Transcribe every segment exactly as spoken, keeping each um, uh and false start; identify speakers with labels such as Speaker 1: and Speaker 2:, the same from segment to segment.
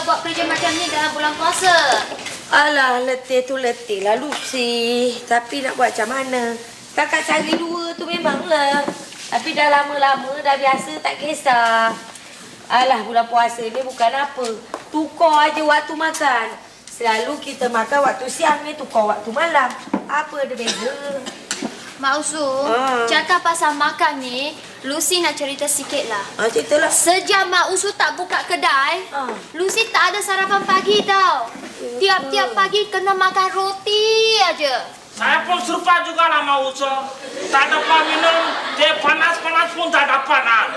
Speaker 1: buat kerja macam ni dalam bulan puasa?
Speaker 2: Alah, letih tu letih lah Lucy. Tapi nak buat macam mana? Kakak cari dua tu memanglah. Tapi dah lama-lama dah biasa tak kisah. Alah, bulan puasa ni bukan apa. Tukar aja waktu makan. Selalu kita makan waktu siang ni, tukar waktu malam. Apa ada beza?
Speaker 1: Mak Usu,
Speaker 2: Ah.
Speaker 1: cakap pasal makan ni, Lucy nak cerita sikit lah.
Speaker 2: Ah, ceritalah.
Speaker 1: Sejak Mak Usu tak buka kedai,
Speaker 2: Ah.
Speaker 1: Lucy tak ada sarapan pagi tau. Tiap-tiap pagi kena makan roti aja.
Speaker 3: Saya pun serupa juga lah mau usul. Tak dapat minum, dia panas-panas pun tak dapat nak.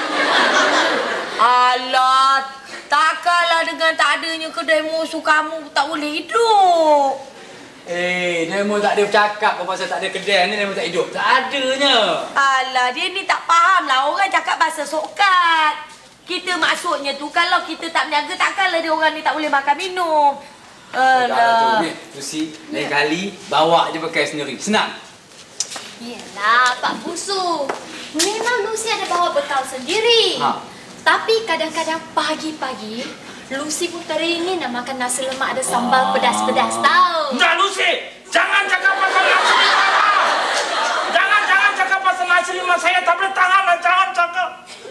Speaker 2: Alah, takkanlah dengan tak adanya kedai musuh kamu tak boleh hidup.
Speaker 4: Eh, Nemo tak ada bercakap apa pasal tak ada kedai ni, Nemo tak hidup. Tak adanya.
Speaker 2: Alah, dia ni tak faham lah. Orang cakap bahasa sokat. Kita maksudnya tu, kalau kita tak berniaga, takkanlah dia orang ni tak boleh makan minum. Alah.
Speaker 4: Ni, Lucy, lain kali bawa je pakai sendiri. Senang.
Speaker 1: Yelah, Pak Busu. Memang Lucy ada bawa bekal sendiri.
Speaker 4: Ha.
Speaker 1: Tapi kadang-kadang pagi-pagi, Lucy pun teringin nak makan nasi lemak ada sambal pedas-pedas tau.
Speaker 3: Enggak Lucy, jangan cakap pasal nasi lemak. Jangan, jangan cakap pasal nasi lemak. Saya tak boleh tahan lah, jangan cakap.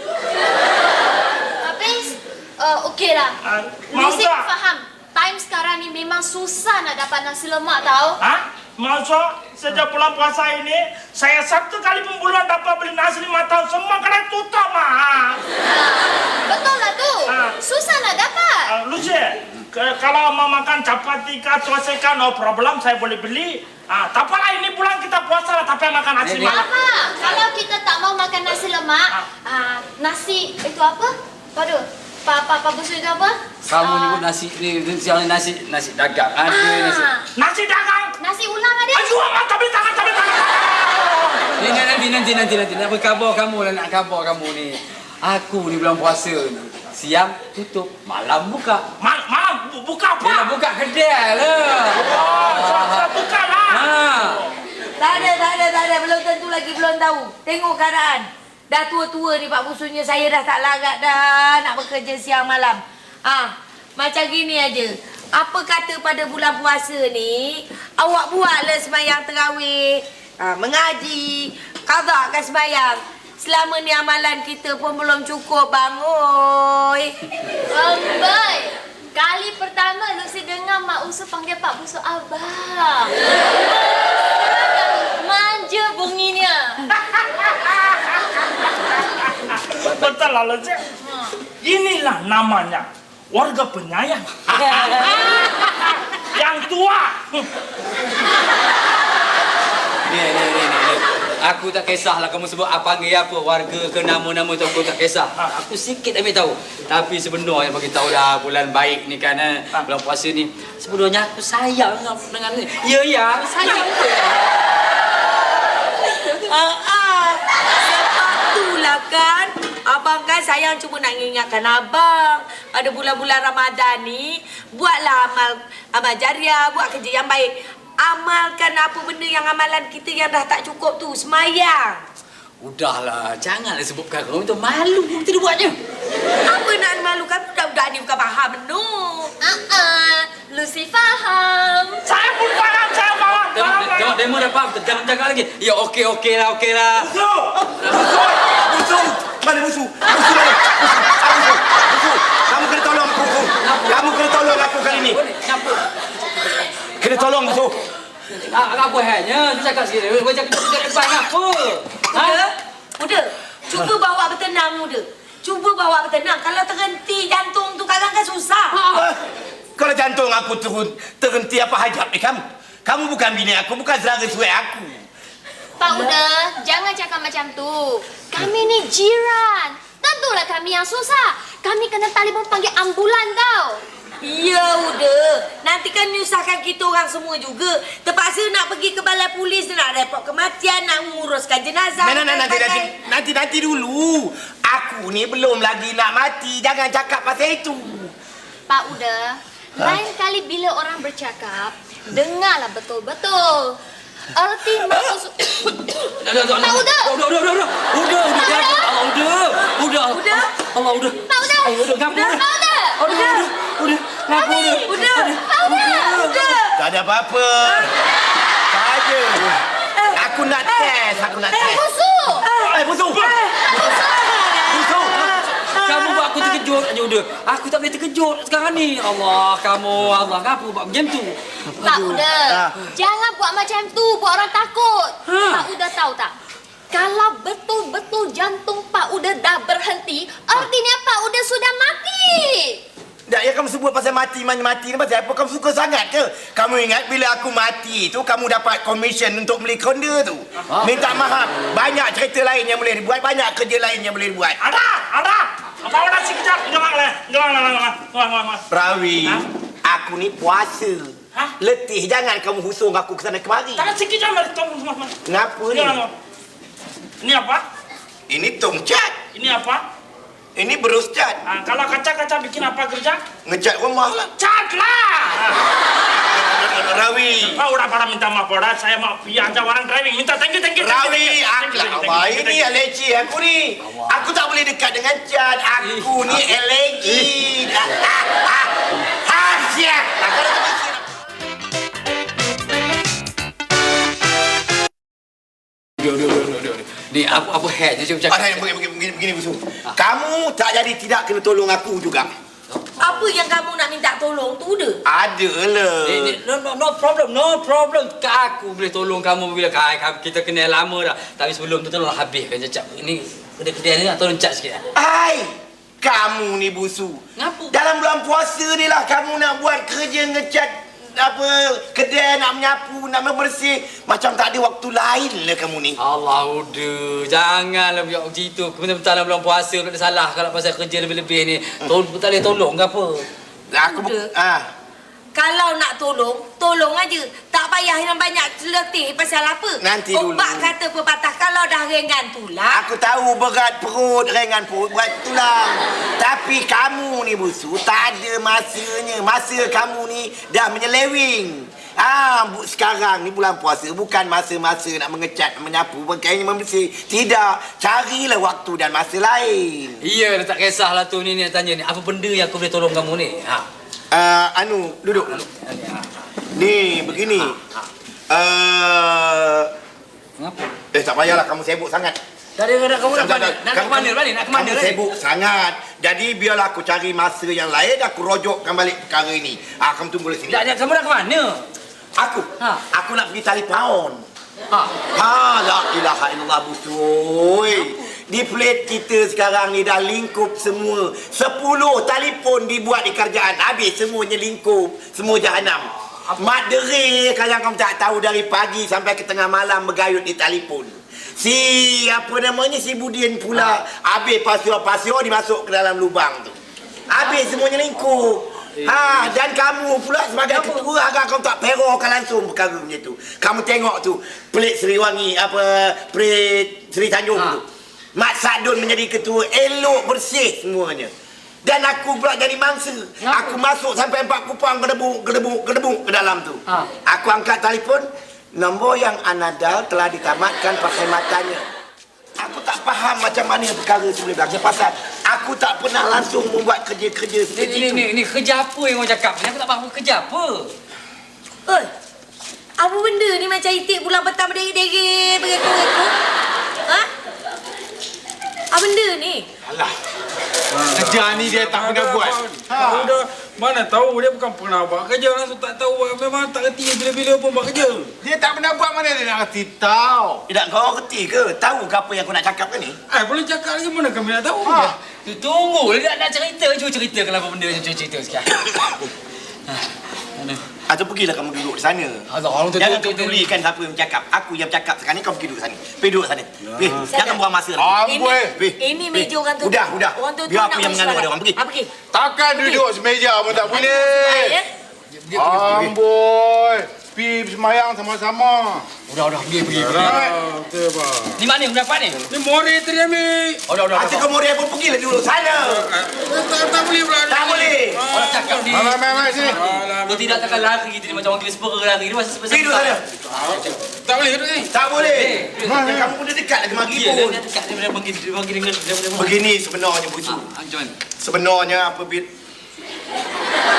Speaker 1: Tapi, uh, okey lah.
Speaker 3: Ah, mau
Speaker 1: Lucy
Speaker 3: tak?
Speaker 1: faham. Time sekarang ni memang susah nak dapat nasi lemak tau.
Speaker 3: Hah? Masa sejak bulan puasa ini, saya satu kali pun bulan dapat beli nasi lima tahun. Semua kedai tutup, mah.
Speaker 1: Betul lah tu.
Speaker 3: Ah.
Speaker 1: Susah nak dapat.
Speaker 3: Uh, Lucy, ke- kalau mau makan chapati kah, cuaca no problem, saya boleh beli. Ah, tak apalah ini bulan kita puasa lah, tapi makan nasi
Speaker 4: Ni, ni.
Speaker 3: lemak.
Speaker 1: Apa? Kalau kita tak mau makan nasi lemak,
Speaker 3: Ah.
Speaker 1: ah, nasi itu apa? Waduh, Pak Pak Pak Busu itu apa?
Speaker 4: Kamu
Speaker 1: Ah,
Speaker 4: nyebut nasi ni, siang ni nasi nasi dagang. Ada nasi.
Speaker 1: ah,
Speaker 3: Nasi dagang.
Speaker 1: nasi ulam ada.
Speaker 3: Ayo, amat, tapi tangan, tapi tangan.
Speaker 4: Ni nanti nanti nanti nanti nak berkhabar kamu lah, nak khabar kamu ni. Aku ni bulan puasa ni. Siang tutup, malam buka.
Speaker 3: Mal, malam bu- buka apa?
Speaker 4: Dia nak buka kedai lah.
Speaker 3: Oh, sudah buka lah.
Speaker 4: Ha.
Speaker 2: Tak ada, tak ada, tak ada. Belum tentu lagi, belum tahu. Tengok keadaan. Dah tua-tua ni Pak Busunya, saya dah tak larat dah nak bekerja siang malam. Ah, macam gini aja. Apa kata pada bulan puasa ni, awak buatlah sembahyang tarawih, ah, mengaji, qadakkan sembahyang. Selama ni amalan kita pun belum cukup, bang. Oi.
Speaker 1: Ambai. Kali pertama Lucy dengar Mak Usu panggil Pak Busu abang. Manja bunyinya.
Speaker 3: Betul lah, Lucy. Inilah namanya warga penyayang. Yang tua.
Speaker 4: Ni ni ni ni. ni. Aku tak kisahlah kamu sebut apa panggil apa, warga ke nama-nama tu aku tak kisah. Aku sikit ambil tahu. Tapi sebenarnya bagi tahu dah bulan baik ni kan, eh, bulan puasa ni. Sebenarnya aku sayang dengan dengan ni. Ya ya, sayang dia.
Speaker 2: Ah, ah. Sebab itulah kan, abang kan sayang cuma nak ingatkan abang. Pada bulan-bulan Ramadan ni, buatlah amal amal jariah, buat kerja yang baik. Amalkan apa benda yang amalan kita yang dah tak cukup tu, semayang.
Speaker 4: Udahlah, janganlah sebut perkara itu, malu kita dia buatnya.
Speaker 2: Apa nak malukan? Budak-budak ni bukan faham benar.
Speaker 1: Ah, Lucy faham.
Speaker 3: Saya pun faham, saya faham.
Speaker 4: Tengok,
Speaker 3: faham,
Speaker 4: tengok demo dah faham, jangan cakap lagi. Ya okey okey lah, okey lah.
Speaker 5: Musuh! Musuh! Musuh! Mana musuh? Musuh mana? Musuh! Musuh! Musuh! Kamu kena tolong aku, musuh. Kamu kena tolong aku kali ni.
Speaker 4: Kenapa?
Speaker 5: Kena tolong, musuh.
Speaker 4: Ah, apa halnya? Dia cakap sikit. Kau cakap cakap depan apa?
Speaker 2: Muda, muda, cuba bawa bertenang, muda. Cuba bawa bertenang. Kalau terhenti jantung tu kadang kan susah.
Speaker 5: Ah, Kalau jantung aku turun, terhenti apa hajat ni kamu? Kamu bukan bini aku, bukan saudara suai aku.
Speaker 1: Pak Uda, jangan cakap macam tu. Kami ni jiran. Tentulah kami yang susah. Kami kena telefon panggil ambulan tau.
Speaker 2: Ya, udah. Nanti kan menyusahkan kita orang semua juga. Terpaksa nak pergi ke balai polis, nak report kematian, nak menguruskan jenazah.
Speaker 5: Nah, nah, nah, nanti, nanti, nanti, nanti dulu. Aku ni belum lagi nak mati. Jangan cakap pasal itu.
Speaker 1: Pak Uda, lain kali bila orang bercakap, dengarlah betul-betul. Erti maksud...
Speaker 4: Dah, dah, dah.
Speaker 1: Pak Uda!
Speaker 4: Udah, udah, udah, udah. Udah, udah. Allah, udah. Udah.
Speaker 2: Udah.
Speaker 4: Allah, udah.
Speaker 1: Pak Uda!
Speaker 4: Ayo, udah. Ngapa?
Speaker 1: Pak Uda!
Speaker 4: Udah, udah.
Speaker 5: Udah, ngapa udah?
Speaker 2: Udah. Udah. Udah.
Speaker 5: Tak ada apa-apa. Tak ada. Aku nak test, aku nak test.
Speaker 1: Busuk.
Speaker 5: Eh, busuk. Busuk.
Speaker 4: Kamu buat aku terkejut aja udah. Aku tak boleh terkejut sekarang ni. Allah, kamu Allah, ngapa buat macam tu?
Speaker 1: Pak Uda,
Speaker 5: Ah.
Speaker 1: jangan buat macam tu, buat orang takut.
Speaker 4: Ha.
Speaker 1: Pak Uda tahu tak? Kalau betul-betul jantung Pak Uda dah berhenti, artinya Pak Uda sudah mati.
Speaker 5: Tak, ya kamu sebut pasal mati, mati ni pasal apa? Kamu suka sangat ke? Kamu ingat bila aku mati tu, kamu dapat komisen untuk beli konda tu. Minta maaf. Banyak cerita lain yang boleh dibuat, banyak kerja lain yang boleh dibuat.
Speaker 3: Ada, ada. Apa orang si kejap? Jangan lah, jangan lah, jangan lah, jangan lah.
Speaker 5: Rawi,
Speaker 3: Ha?
Speaker 5: aku ni puasa.
Speaker 3: Hah?
Speaker 5: Letih, jangan kamu husung aku ke sana kemari.
Speaker 3: Tangan si kejap, mari tunggu semua.
Speaker 5: Kenapa ni?
Speaker 3: Jangan. Ini apa?
Speaker 5: Ini tongcat.
Speaker 3: Ini apa?
Speaker 5: Ini berus cat.
Speaker 3: Ah, kalau kaca-kaca bikin apa kerja?
Speaker 5: Ngecat rumah lah.
Speaker 3: Cat lah.
Speaker 5: Rawi.
Speaker 3: Ah, udah para minta maaf pada saya mau pergi aja orang driving. Minta thank you, thank you. thank you,
Speaker 5: Rawi,
Speaker 3: thank you, thank you,
Speaker 5: aku
Speaker 3: thank you,
Speaker 5: lah.
Speaker 3: thank you,
Speaker 5: Ini
Speaker 3: thank you.
Speaker 5: alergi aku ni. Aku tak boleh dekat dengan cat. Aku ni alergi. Ah, ah, ah. Ah, siap. Ah, kalau tu masih nak-
Speaker 4: Duduk, duduk, duduk, duduk. Ni apa apa hack je macam
Speaker 5: Ada yang begini, begini, begini, begini, Busu. Kamu tak jadi tidak kena tolong aku juga.
Speaker 2: Apa yang kamu nak minta tolong tu dah?
Speaker 5: Ada lah.
Speaker 4: Eh, ni, no, no, no problem, no problem. Aku boleh tolong kamu bila kai, kita kenal lama dah. Tapi sebelum tu tolong habiskan cecap. Ini kedai-kedai ni nak tolong cat sikit.
Speaker 5: Hai, kamu ni Busu.
Speaker 4: Ngapa?
Speaker 5: Dalam bulan puasa ni lah kamu nak buat kerja ngecat apa kedai, nak menyapu, nak membersih. Macam tak ada waktu lain lah kamu ni.
Speaker 4: Allah udah, janganlah buat macam itu. Betul-betul dalam bulan puasa tak ada salah kalau pasal kerja lebih-lebih ni. Tol tak boleh tolong ke apa?
Speaker 5: Aku
Speaker 2: Udah.
Speaker 5: ah.
Speaker 2: Kalau nak tolong, tolong aja. Tak payah yang banyak letih pasal apa.
Speaker 5: Nanti dulu.
Speaker 2: Obat kata pepatah, kalau dah ringan tulang.
Speaker 5: Aku tahu berat perut, ringan perut, berat tulang. Tapi kamu ni Busu, tak ada masanya. Masa kamu ni dah menyeleweng. Ah, bu, sekarang ni bulan puasa bukan masa-masa nak mengecat, menyapu, pakaian membersih. Tidak, carilah waktu dan masa lain.
Speaker 4: Iya, tak kisahlah tu ni, ni nak tanya ni. Apa benda yang aku boleh tolong kamu ni? Ha.
Speaker 5: Uh, anu, duduk. Ni, begini. Uh,
Speaker 4: Kenapa?
Speaker 5: eh, tak payahlah kamu sibuk sangat.
Speaker 4: Tak ada, kamu nak ke
Speaker 5: Tak,
Speaker 4: mana?
Speaker 5: tak,
Speaker 4: Nak ke mana balik? Nak ke mana?
Speaker 5: Kamu sibuk sangat. Jadi biarlah aku cari masa yang lain, aku rojokkan balik perkara ini. Ah, kamu tunggu di sini.
Speaker 4: Tak, kamu nak ke mana?
Speaker 5: Aku,
Speaker 4: Ha.
Speaker 5: aku nak pergi tali paun.
Speaker 4: Ha.
Speaker 5: Ha, la ilaha illallah Busui. Di plate kita sekarang ni dah lingkup semua. Sepuluh telefon dibuat di kerajaan. Habis semuanya lingkup. Semua jahanam. Mak deri kalau kamu tak tahu dari pagi sampai ke tengah malam bergayut di telefon. Si apa namanya si Budin pula habis pasir-pasir dimasuk ke dalam lubang tu. Habis semuanya lingkup. Ha, dan kamu pula sebagai ketua agak kamu tak perokkan langsung perkara macam tu. Kamu tengok tu pelik Seriwangi apa pelik Seri Tanjung
Speaker 4: Ha.
Speaker 5: tu. Mak Sadun menjadi ketua, elok bersih semuanya. Dan aku pula jadi mangsa.
Speaker 4: Kenapa?
Speaker 5: Aku masuk sampai empat kupang gedebuk gedebuk gedebuk ke dalam tu.
Speaker 4: Ha.
Speaker 5: Aku angkat telefon, nombor yang anda dial telah ditamatkan perkhidmatannya. Aku tak faham macam mana perkara tu boleh berlaku. Pasal aku tak pernah langsung membuat kerja-kerja
Speaker 4: Ni,
Speaker 5: seperti
Speaker 4: ni,
Speaker 5: itu.
Speaker 4: ni, ni kerja apa yang orang cakap ni? Aku tak faham kerja apa.
Speaker 2: Oi, apa benda ni macam itik bulan petang berdegit-degit begitu-begitu? Ha? Apa benda ni?
Speaker 5: Alah.
Speaker 6: Kerja ni dia tak pernah buat.
Speaker 7: Ha. Udah, mana tahu dia bukan pernah buat kerja, langsung tak tahu, memang tak reti bila-bila pun buat kerja.
Speaker 6: Dia tak pernah buat, mana dia nak reti tahu.
Speaker 5: Tidak kau reti ke? Tahu ke apa yang aku nak cakap ke ni?
Speaker 7: Eh, boleh cakap lagi, mana kami nak tahu?
Speaker 6: Ha.
Speaker 4: Tu tunggu, dia nak, nak cerita. Cuba cerita kalau apa benda yang cuba cerita sikit. Ha. Mana?
Speaker 5: Atau pergilah kamu duduk di sana.
Speaker 4: Allah, orang tu
Speaker 5: Jangan
Speaker 4: tu- tu- tu-
Speaker 5: pedulikan siapa yang bercakap. Aku yang bercakap sekarang ni, kau pergi duduk sana. Pergi duduk sana. Pergi. Jangan buang masa lagi.
Speaker 6: Amboi.
Speaker 5: Pergi.
Speaker 2: Ini
Speaker 5: Pergi.
Speaker 2: meja orang tu.
Speaker 5: Udah, udah.
Speaker 2: Orang tu
Speaker 5: Biar aku yang mengandung ada orang. Pergi.
Speaker 2: Ha, pergi.
Speaker 6: Takkan duduk semeja pun tak
Speaker 2: Ya.
Speaker 6: boleh. Amboi. Pergi semayang sama-sama.
Speaker 4: Udah, udah, pergi, pergi. pergi.
Speaker 7: Ah, betul, Pak.
Speaker 4: Ni mana yang dapat ni?
Speaker 7: Ni mori tadi ambil.
Speaker 4: Oh, dah, dah,
Speaker 5: Hati
Speaker 4: dah.
Speaker 5: kau murid pun pergilah duduk sana.
Speaker 7: Eh, Tak, tak boleh pula.
Speaker 5: Tak boleh.
Speaker 4: Orang cakap ni.
Speaker 6: Mai, mai, mai sini.
Speaker 4: Dia tidak takkan lari kita ni macam orang gila sepera lari. Dia masih sebesar.
Speaker 5: Pergi duduk sana.
Speaker 7: Tak boleh duduk ni.
Speaker 5: Tak boleh.
Speaker 4: Eh,
Speaker 5: Dan kamu pun dah dekat lagi mari
Speaker 4: Dia, dia,
Speaker 5: pun.
Speaker 4: dia dekat. Dia dia bagi, dia bagi dengan... Dia, dia, dia,
Speaker 5: Begini sebenarnya Busu.
Speaker 4: Ah, macam mana?
Speaker 5: Sebenarnya apabila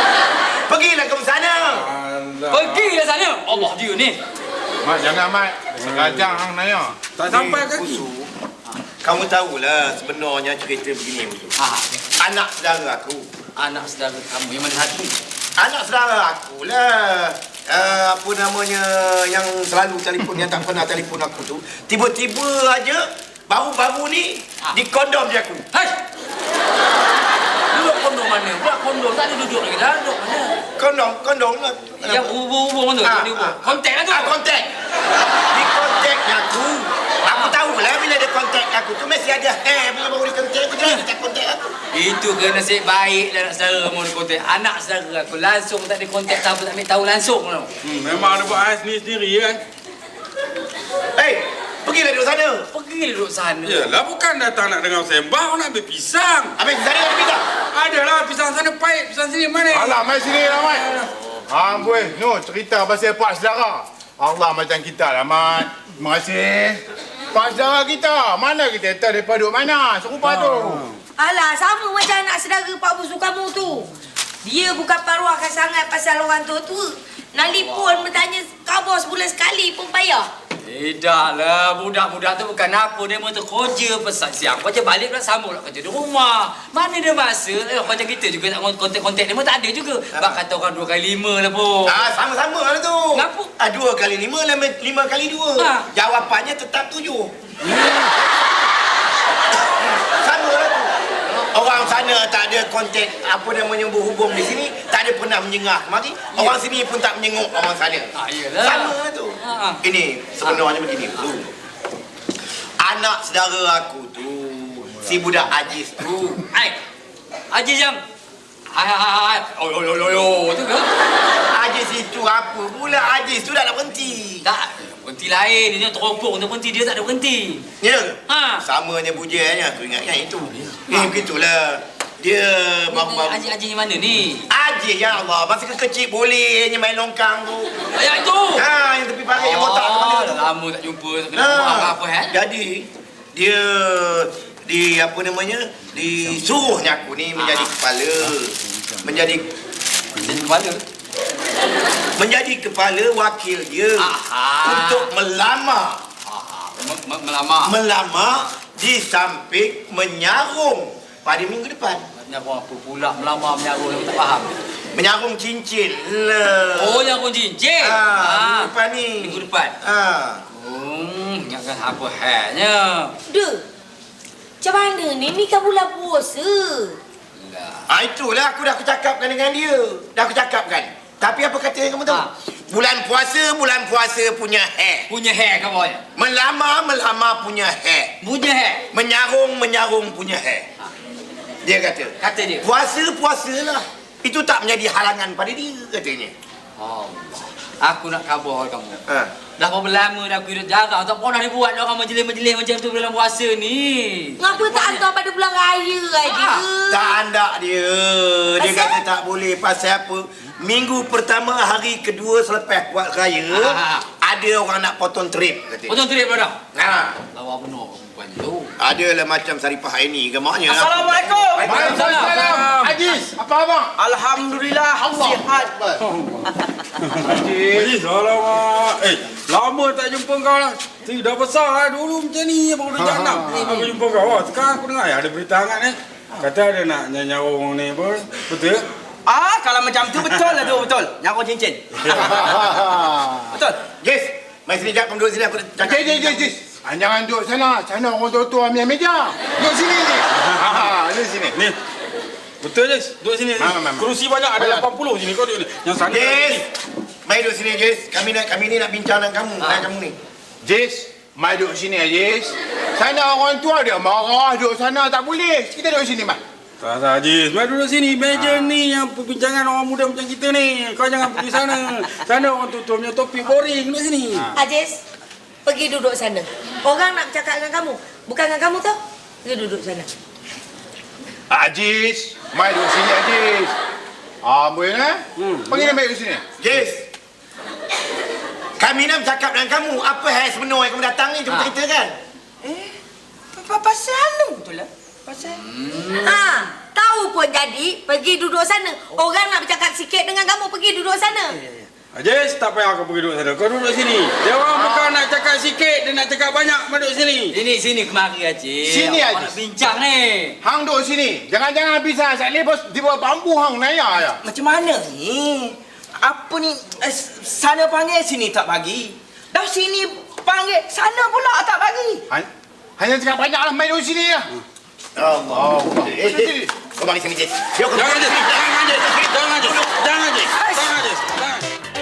Speaker 4: Allah dia ni.
Speaker 6: Mat, jangan Mat. Sekajang hang naya.
Speaker 7: Tak sampai kaki.
Speaker 5: Kamu tahulah sebenarnya cerita begini Busu.
Speaker 4: Ha,
Speaker 5: Anak saudara aku.
Speaker 4: anak saudara kamu yang mana satu?
Speaker 5: Anak saudara aku lah. Uh, apa namanya yang selalu telefon, yang tak pernah telefon aku tu. Tiba-tiba aja baru-baru ni
Speaker 4: Ah.
Speaker 5: dikondom dia aku.
Speaker 4: Hai. Duduk kondom mana? Buat kondom tak ada duduk lagi dah. Duduk mana?
Speaker 5: Kondom, kondom lah.
Speaker 4: Yang hubung-hubung tu,
Speaker 5: Ah,
Speaker 4: dia hubung.
Speaker 5: ah.
Speaker 4: Kontak lah tu.
Speaker 5: Ah, kontak. Di kontaknya aku. Aku tahu lah bila dia kontak aku tu mesti ada hair. Bila baru dia kontak aku, dia tak kontak aku.
Speaker 4: Itu ke nasib baik lah anak saudara mau dia kontak. Anak saudara aku langsung tak ada kontak, tak apa, tak ambil tahu langsung tau.
Speaker 7: Hmm, memang ada buat sendiri-sendiri kan.
Speaker 5: Hei, pergilah duduk sana.
Speaker 4: Pergi duduk sana.
Speaker 7: Yalah, bukan datang nak dengar sembang, nak ambil pisang.
Speaker 5: Habis sana nak pisang.
Speaker 7: Adalah pisang sana pahit, pisang sini mana?
Speaker 6: Alah, mai sini lah Mat. Hang boleh. No, cerita pasal pak saudara. Allah macam kita lah Mat. Terima kasih. Pak saudara kita. Mana kita tahu mereka duduk mana? Serupa tu.
Speaker 2: Alah, sama macam anak saudara Pak Busu kamu tu. Dia bukan paruahkan sangat pasal orang tua-tua. Nelfon bertanya khabar sebulan sekali pun payah.
Speaker 4: Tidak lah, budak-budak tu bukan apa. Dia mahu kerja pesan siang. Kerja balik pula sambung lah kerja di rumah. Mana dia masa? Eh, macam kita juga nak kontak-kontak dia pun tak ada juga. Bak kata orang dua kali lima lah pun.
Speaker 5: Ah, sama-sama lah tu.
Speaker 4: Kenapa?
Speaker 5: Ah, dua kali lima, lima, lima kali dua.
Speaker 4: Ha.
Speaker 5: Jawapannya tetap tujuh. Sama lah tu. Orang sana tak ada kontak apa namanya berhubung di sini, tak ada pernah menjengah kemari. Orang sini pun tak menyenguk orang sana.
Speaker 4: Ah, iyalah.
Speaker 5: Sama lah tu.
Speaker 4: Ha.
Speaker 5: Ini sebenarnya begini tu. Anak saudara aku tu, si budak Aziz tu.
Speaker 4: Hai, Haji Jam. Hai, hai, hai, hai. Oh, oh, oh, oh, tu ke?
Speaker 5: Aziz itu apa pula? Aziz tu dah nak berhenti.
Speaker 4: Tak, berhenti lain. Dia teropong tu berhenti, dia tak ada berhenti.
Speaker 5: Ya?
Speaker 4: Ha.
Speaker 5: Samanya bujanya, aku ingat yang itu. Eh, begitulah. Dia baru-baru.
Speaker 4: Haji Haji yang mana ni?
Speaker 5: Aziz, ya Allah. Masa kecil bolehnya main longkang tu.
Speaker 4: Yang itu.
Speaker 5: Ha, yang tepi parit, yang botak tu mana tu.
Speaker 4: dah lama tak jumpa. Tak kena
Speaker 5: Ha.
Speaker 4: buat apa eh?
Speaker 5: Jadi, dia di apa namanya? Disuruhnya aku ni menjadi kepala. Menjadi
Speaker 4: Jadi kepala.
Speaker 5: menjadi kepala wakil dia.
Speaker 4: Aha.
Speaker 5: Untuk melamar.
Speaker 4: Ah, me- me- melamar.
Speaker 5: Melamar di samping menyarung pada minggu depan.
Speaker 4: Menyarung apa pula? Melamar menyarung, aku tak faham.
Speaker 5: Menyarung cincin lah.
Speaker 4: Oh, nyarung cincin.
Speaker 5: Ha,
Speaker 4: Ah.
Speaker 5: minggu depan ni.
Speaker 4: Minggu depan.
Speaker 5: Ha.
Speaker 4: Hmm, ingatkan apa halnya?
Speaker 2: Duh, macam mana ni? Ni kan bulan puasa.
Speaker 4: Lah.
Speaker 5: Ah, itulah aku dah aku cakapkan dengan dia. Dah aku cakapkan. Tapi apa kata yang kamu tahu?
Speaker 4: Ha.
Speaker 5: Bulan puasa, bulan puasa punya hair.
Speaker 4: Punya hair kau boy.
Speaker 5: Melamar, melamar punya hair.
Speaker 4: Punya hair.
Speaker 5: Menyarung, menyarung punya hair.
Speaker 4: Ha.
Speaker 5: Dia kata.
Speaker 4: Kata dia.
Speaker 5: Puasa, puasalah. Itu tak menjadi halangan pada dia, katanya.
Speaker 4: Allah. Aku nak khabar kamu.
Speaker 5: Ha.
Speaker 4: Dah berapa lama dah aku hidup jarang. Tak pernah dibuat orang majlis-majlis macam tu dalam puasa ni.
Speaker 2: Ngapa tak hantar pada bulan raya aja?
Speaker 5: Tak andak dia. Dia
Speaker 2: Pasal?
Speaker 5: kata tak boleh. Pasal apa? Minggu pertama, hari kedua selepas buat raya,
Speaker 4: Ah.
Speaker 5: ada orang nak potong trip, katanya.
Speaker 4: Potong trip pada.
Speaker 5: Ha.
Speaker 4: Lawa benar perempuan tu.
Speaker 5: Adalah macam Saripah ini gemaknya.
Speaker 8: Assalamualaikum.
Speaker 6: Waalaikumsalam. Aziz, apa abang?
Speaker 8: Alhamdulillah sihat.
Speaker 7: Haji, alamak. Eh, lama tak jumpa kau lah. Si, dah besar lah dulu macam ni. Baru dah jangan. Aku jumpa kau. Oh, sekarang aku dengar ada berita hangat ni. Kata ada nak nyarung ni apa. Betul?
Speaker 8: Ah, kalau macam tu betul lah tu, betul. Nyarung cincin. Betul.
Speaker 5: Yes, mari sini jap, kamu duduk sini aku cakap.
Speaker 6: Jis, jis, jis, jis. Ah, jangan duduk sana. Sana orang tua-tua ambil meja. Duduk sini ni. Ha, duduk sini.
Speaker 7: Ni. Betul je. Duduk sini.
Speaker 6: Ha, ha, ha.
Speaker 7: Kerusi banyak. Ada
Speaker 6: Ha.
Speaker 7: lapan puluh sini. Kau duduk ni. Yang sana.
Speaker 5: Yes, mari duduk sini, Jess. Kami nak kami ni nak bincang dengan kamu, dengan kamu ni.
Speaker 6: Jis, mai duduk sini Jis. Sana orang tua dia marah duduk sana tak boleh. Kita duduk sini, Mat.
Speaker 7: Tak tak, Haji. Mari duduk sini. Meja ni yang perbincangan orang muda macam kita ni. Kau jangan pergi sana. Sana orang tua-tua punya topik boring. Duduk sini.
Speaker 2: Aziz, pergi duduk sana. Orang nak bercakap dengan kamu. Bukan dengan kamu tau. Pergi duduk sana.
Speaker 6: Aziz, mai duduk sini Aziz. Ah, boleh eh? Hmm. Pergi nak mai duduk sini.
Speaker 5: Jess, kami nak bercakap dengan kamu. Apa hal sebenar yang kamu datang ni? Cuba
Speaker 4: Ha.
Speaker 5: ceritakan.
Speaker 8: Eh, apa pasal lu betul lah? Pasal.
Speaker 2: Ha, tahu pun jadi, pergi duduk sana. Orang nak bercakap sikit dengan kamu, pergi duduk sana.
Speaker 7: Ajis, tak payah kau pergi duduk sana. Kau duduk sini. Dia orang bukan nak cakap sikit, dia nak cakap banyak. Kau duduk sini.
Speaker 4: Sini, sini, kemari Haji.
Speaker 6: Sini,
Speaker 4: Awak
Speaker 6: Haji.
Speaker 4: nak bincang ni.
Speaker 6: Hang duduk sini. Jangan-jangan bisa Saleh bos di bawah bambu hang naya ya.
Speaker 8: Macam mana ni? Apa ni? Eh, sana panggil, sini tak bagi. Dah sini panggil, sana pula tak bagi.
Speaker 6: Han- Hanya cakap banyaklah main duduk sini ya.
Speaker 5: Allah. Eh, eh. Kau bagi sini, Jis. Yo, kau
Speaker 7: Jangan, Ajis. Jangan, Ajis. Jangan, Ajis. Jangan, Ajis.
Speaker 8: Ais.
Speaker 7: Jangan, Ajis. Jangan.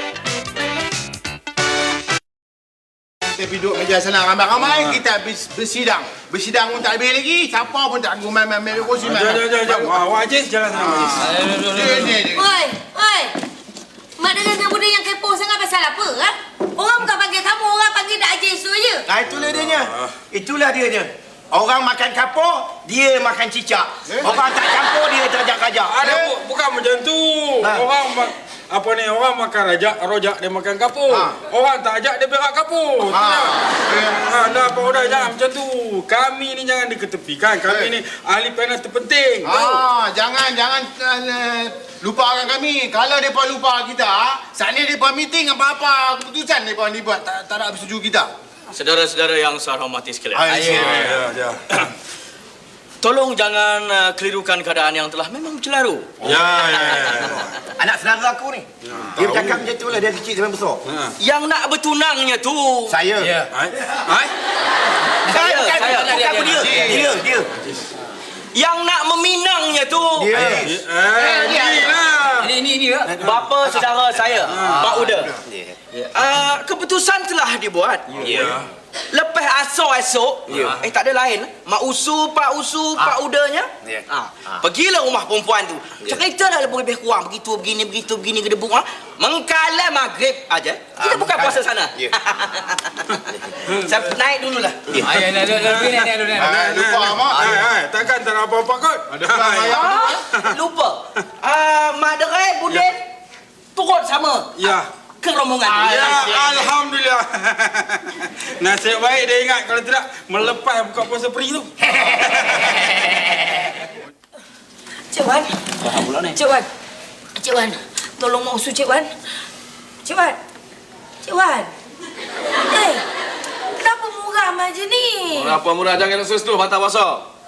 Speaker 6: Kita duduk meja sana ramai-ramai, kita habis bersidang. Bersidang pun tak habis lagi. Siapa pun tak guna main-main kursi main.
Speaker 7: Jangan, jangan, jangan. Awak Ajis, jalan sana, Ajis.
Speaker 6: Ni, ni, ni.
Speaker 2: Oi, oi. Mak dengar budak yang kepo sangat pasal apa, ha? Orang bukan panggil kamu, orang panggil Dak Haji Su je.
Speaker 5: Ah, itulah dianya. Itulah dianya. Orang makan kapur, dia makan cicak. Orang tak campur, dia terajak-rajak.
Speaker 7: Ada bu- bukan macam tu.
Speaker 5: Ha.
Speaker 7: Orang ma- apa ni, orang makan rajak, rojak dia makan kapur.
Speaker 6: Ha.
Speaker 7: Orang tak ajak dia berak kapur.
Speaker 6: Ha.
Speaker 7: Ha, dah apa dah jangan macam tu. Kami ni jangan diketepikan. Kami
Speaker 6: Eh.
Speaker 7: ni ahli panel terpenting. Tahu?
Speaker 6: Ah, jangan jangan uh, lupakan kami. Kalau depa lupa kita, saat ni depa meeting apa-apa keputusan depa ni buat tak tak nak bersetuju kita.
Speaker 8: Saudara-saudara yang saya hormati sekalian.
Speaker 6: Ah, ya.
Speaker 7: Ya, ya.
Speaker 8: Tolong jangan uh, kelirukan keadaan yang telah memang bercelaru.
Speaker 7: Ya, ya, ya.
Speaker 5: Anak saudara aku ni. Dia bercakap macam tu lah. Dia kecil sampai besar.
Speaker 8: Yang nak bertunangnya tu.
Speaker 5: Saya.
Speaker 4: Ya.
Speaker 7: Hai. Hai.
Speaker 5: Saya,
Speaker 8: Saya,
Speaker 5: bukan,
Speaker 8: saya.
Speaker 5: bukan aku dia. Dia, dia.
Speaker 8: Yang nak meminangnya tu.
Speaker 5: Dia.
Speaker 7: Eh, ni lah.
Speaker 4: Ini, ini, ini. ya.
Speaker 8: Bapa saudara saya, Pak Uda.
Speaker 5: Dia.
Speaker 8: Uh, keputusan telah dibuat.
Speaker 7: Ya.
Speaker 8: Lepas asal esok,
Speaker 5: Ya.
Speaker 8: eh tak ada lain. Mak usu, Pak usu, Pak Udanya.
Speaker 5: Ya.
Speaker 8: Ah, pergilah rumah perempuan tu. Ceritalah lebih kurang begitu begini begitu begini gedebuk ah. Mengkala maghrib aja. Kita
Speaker 5: Ah,
Speaker 8: buka
Speaker 5: mengkala.
Speaker 8: puasa sana.
Speaker 5: Ya.
Speaker 8: Saya naik dululah.
Speaker 4: Ayo, dah, dah, dah, dah, dah, dah, dah.
Speaker 6: Ah, lupa mak.
Speaker 7: Hai, hai. Takkan tak ada apa-apa kot. Ada. hai.
Speaker 8: Ah, lupa. Ah, Mak Derai, Budin turut sama.
Speaker 7: Ya.
Speaker 8: Ke rombongan.
Speaker 7: Ya, alhamdulillah. Nasib baik dia ingat, kalau tidak melepas buka puasa peri tu.
Speaker 2: Cik Wan.
Speaker 8: Faham pula ni.
Speaker 2: Cik Wan. Cik Wan. Tolong mak usul Cik Wan. Cik Wan. Cik Wan. Eh, kenapa muram aja ni?
Speaker 9: Apa murah jangan nak tu patah puasa.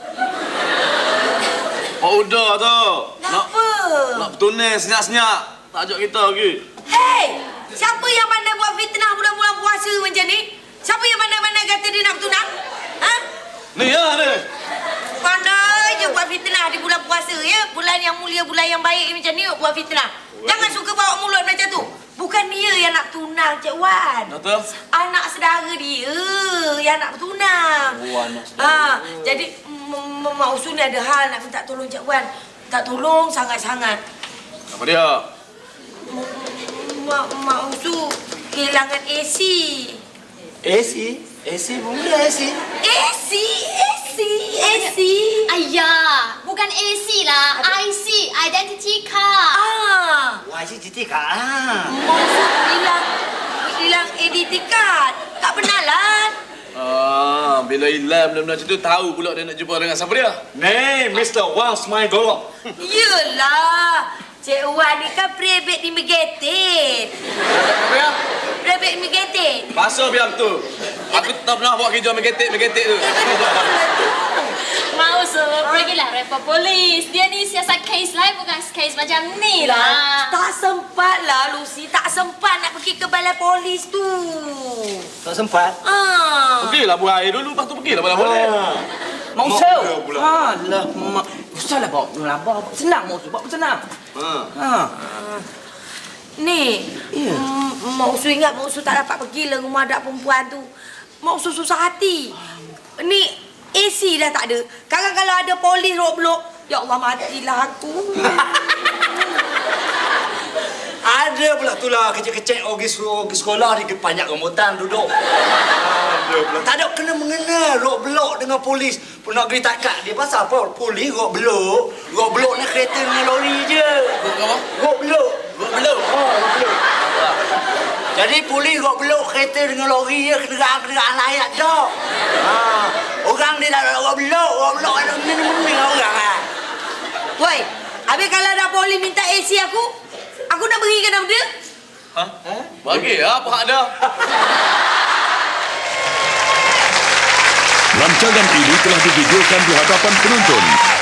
Speaker 9: Oh udah tu. Nak
Speaker 2: Kenapa?
Speaker 9: nak bertunai senyap-senyap. Tak ajak kita lagi.
Speaker 2: Hei, siapa yang pandai buat fitnah bulan-bulan puasa macam ni? Siapa yang pandai-pandai kata dia nak bertunang? Ha?
Speaker 9: Ni ya ni.
Speaker 2: Pandai je buat fitnah di bulan puasa ya. Bulan yang mulia, bulan yang baik macam ni buat fitnah. Jangan suka bawa mulut macam tu. Bukan dia yang nak tunang, Cik Wan.
Speaker 9: Betul.
Speaker 2: Anak saudara dia yang nak bertunang.
Speaker 8: Oh, anak saudara.
Speaker 2: Ah, jadi M- M- Mak Usul ni ada hal nak minta tolong Cik Wan. Minta tolong sangat-sangat.
Speaker 9: Apa dia?
Speaker 2: Mak Mak Usul kehilangan A C.
Speaker 8: A C? A C pun boleh A C.
Speaker 2: A C, A C, A C.
Speaker 1: Ayah, bukan A C lah. I C, identity card.
Speaker 2: Ah,
Speaker 8: Wah, si titik ah.
Speaker 2: Mak Usul hilang hilang I D card. Tak penalan.
Speaker 9: Ah, bila hilang benda-benda macam tu tahu pula dia nak jumpa dengan siapa dia. Ni Mister Wang Smile Golok.
Speaker 2: Yelah. Cik Wan ni kan prebet imigated.
Speaker 9: Apa dia?
Speaker 2: Prebet imigated.
Speaker 9: Pasal biar betul. Aku tak pernah buat kerja megetik-megetik tu.
Speaker 1: Mak Usul, pergilah report polis. Dia ni siasat kes lain, bukan kes macam ni lah.
Speaker 2: Tak sempat lah Lucy. Tak sempat nak pergi ke balai polis tu.
Speaker 8: Tak sempat.
Speaker 2: Ah.
Speaker 9: Pergilah buat air dulu, lepas tu pergilah boleh boleh.
Speaker 8: Mak Usul. Ha, lah mak. Usahlah bawa melabah. Senang Mak Usul, bawa senang.
Speaker 9: Ha.
Speaker 8: Ha.
Speaker 2: Ni,
Speaker 8: Ya.
Speaker 2: mm, Mak Usul ingat Mak Usul tak dapat pergi lah rumah adak perempuan tu. Mak Usul susah hati. Ni, A C dah tak ada. Kadang kalau ada polis rok-blok, ya Allah matilah aku.
Speaker 10: Ada pula tu lah kecil-kecil pergi pergi sekolah di banyak rambutan duduk. Ada pula. Tak ada kena mengena rok belok dengan polis. Pun nak pergi takat dia pasal apa? Polis rok belok. Rok belok ni kereta dengan lori je. Rok belok. Rok belok. Ha, rok belok. Jadi polis rok belok kereta dengan lori je, kenderaan-kenderaan layak dah. Ha, orang dia dah rok belok, rok belok ada meni-meni orang ah.
Speaker 2: Woi, habis kalau ada polis minta A C aku, aku nak berikan nama dia?
Speaker 10: Ha?
Speaker 9: Bagi apa hak dah?
Speaker 11: Rancangan ini telah divideokan di hadapan penonton.